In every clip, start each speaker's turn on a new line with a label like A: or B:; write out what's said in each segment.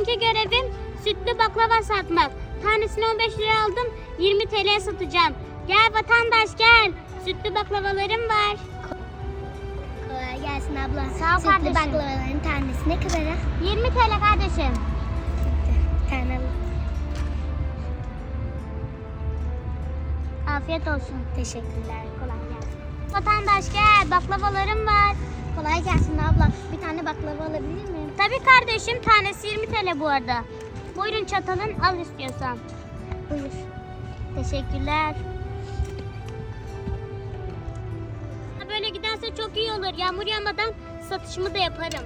A: bugünkü görevim sütlü baklava satmak. Tanesini 15 liraya aldım, 20 TL'ye satacağım. Gel vatandaş gel, sütlü baklavalarım var.
B: Kolay gelsin abla.
A: Sağ ol
B: Sütlü
A: kardeşim.
B: baklavaların tanesi ne kadar?
A: 20 TL kardeşim.
B: Tane alayım.
A: Afiyet olsun.
B: Teşekkürler. Kolay gelsin.
A: Vatandaş gel, baklavalarım var.
B: Kolay gelsin abla. Bir tane baklava alabilir miyim?
A: Tabii kardeşim, tanesi 20 TL bu arada. Buyurun çatalın, al istiyorsan.
B: Buyur.
A: Teşekkürler. Böyle giderse çok iyi olur. Yağmur yağmadan satışımı da yaparım.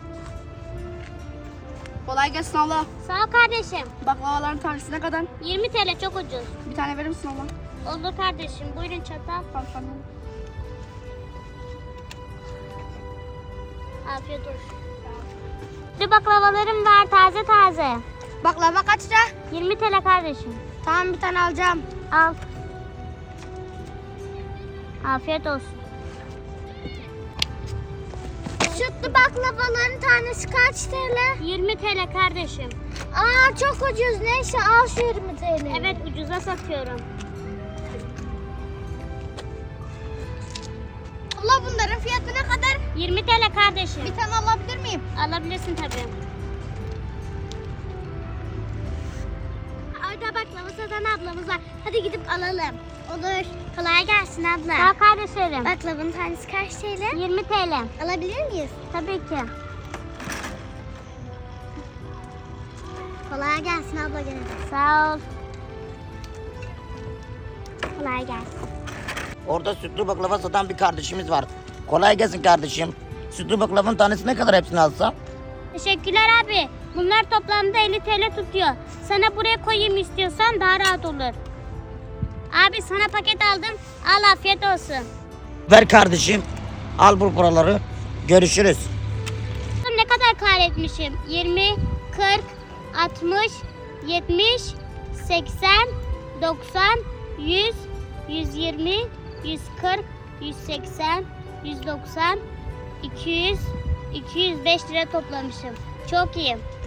C: Kolay gelsin abla.
A: Sağ ol kardeşim.
C: Baklavaların tanesi ne kadar?
A: 20 TL çok ucuz.
C: Bir tane verir misin abla?
A: Olur kardeşim. Buyurun çatal.
C: Tamam.
A: Afiyet olsun. Bir baklavalarım var taze taze.
C: Baklava kaç lira?
A: 20 TL kardeşim.
C: Tamam bir tane alacağım.
A: Al. Afiyet olsun.
B: Sütlü baklavaların tanesi kaç TL?
A: 20 TL kardeşim.
B: Aa çok ucuz. Neyse al şu 20 TL.
A: Evet ucuza satıyorum.
C: Abla bunların fiyatı ne kadar?
A: 20 TL kardeşim.
C: Bir tane alabilir miyim?
A: Alabilirsin tabii.
B: Orada baklava satan ablamız var. Hadi gidip alalım. Olur. Kolay gelsin abla.
A: Sağ ol kardeşlerim.
B: Baklavanın tanesi kaç TL?
A: 20 TL.
B: Alabilir miyiz?
A: Tabii ki.
B: Kolay gelsin abla gene de.
A: Sağ ol.
B: Kolay gelsin.
D: Orada sütlü baklava satan bir kardeşimiz var. Kolay gelsin kardeşim. Sütlü baklavanın tanesi ne kadar hepsini alsam?
A: Teşekkürler abi. Bunlar toplamda 50 TL tutuyor. Sana buraya koyayım istiyorsan daha rahat olur. Abi sana paket aldım. Al afiyet olsun.
D: Ver kardeşim. Al bu paraları. Görüşürüz.
A: Ne kadar kar etmişim? 20, 40, 60, 70, 80, 90, 100, 120, 140, 180, 190, 200, 205 lira toplamışım. Çok iyi.